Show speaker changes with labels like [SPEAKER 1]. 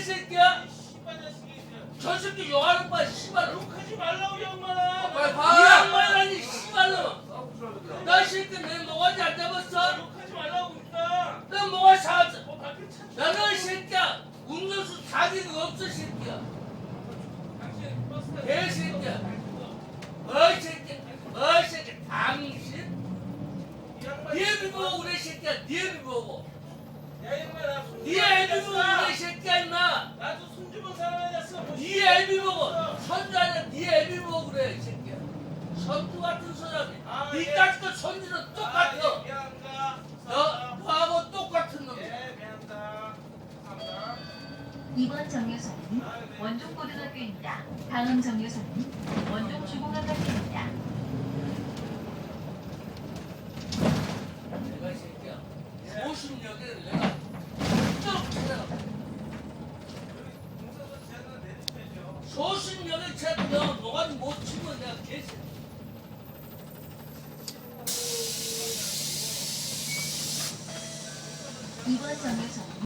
[SPEAKER 1] 새끼야?
[SPEAKER 2] 씨발 자식이.
[SPEAKER 1] 저 새끼 욕하는 거야 씨발.
[SPEAKER 2] 욕하지 말라고 이 양반아.
[SPEAKER 1] 빨리 봐. 이 양반이라니 씨발로. 너 새끼 내 뭐가지 안 잡았어?
[SPEAKER 2] 욕하지 말라고 그러니까.
[SPEAKER 1] 너 뭐가 사왔어?
[SPEAKER 2] 밖에 차.
[SPEAKER 1] 너는 이 새끼야 운전수 자기가 없어 새끼야.
[SPEAKER 2] 당신 버스 타고
[SPEAKER 1] 개새끼야. 어이 새끼. 어이 새끼. 당신?
[SPEAKER 2] 이 양반.
[SPEAKER 1] 네 애비 보고 그래 새끼야. 네 애비 보고.
[SPEAKER 2] 야 양반아.
[SPEAKER 1] 네 애비 보고 그래 새끼야 임마.
[SPEAKER 2] 나도 손주본 사람 아니었어.
[SPEAKER 1] 네 애비 보고. 선주 아니야. 네 애비 보고 그래 이 새끼야. 선주 같은 사람이. 니까지도 선주는 똑같아.
[SPEAKER 2] 미안합니다.
[SPEAKER 1] 너하고 똑같은 놈이야.
[SPEAKER 2] 예, 미안합니다. 감사합니다.
[SPEAKER 3] 이번 정류소는 원종고등학교입니다. 다음 정류소는 원종중공학교입니다.
[SPEAKER 1] 내가 이 새끼야. 소신역에 내가 쭉 찾아가.
[SPEAKER 2] 공사도 지하철 내리셔야죠.
[SPEAKER 1] 소신역에 찾아가. 뭐가 못 치면 내가 개새끼야.
[SPEAKER 3] 이번 정류소는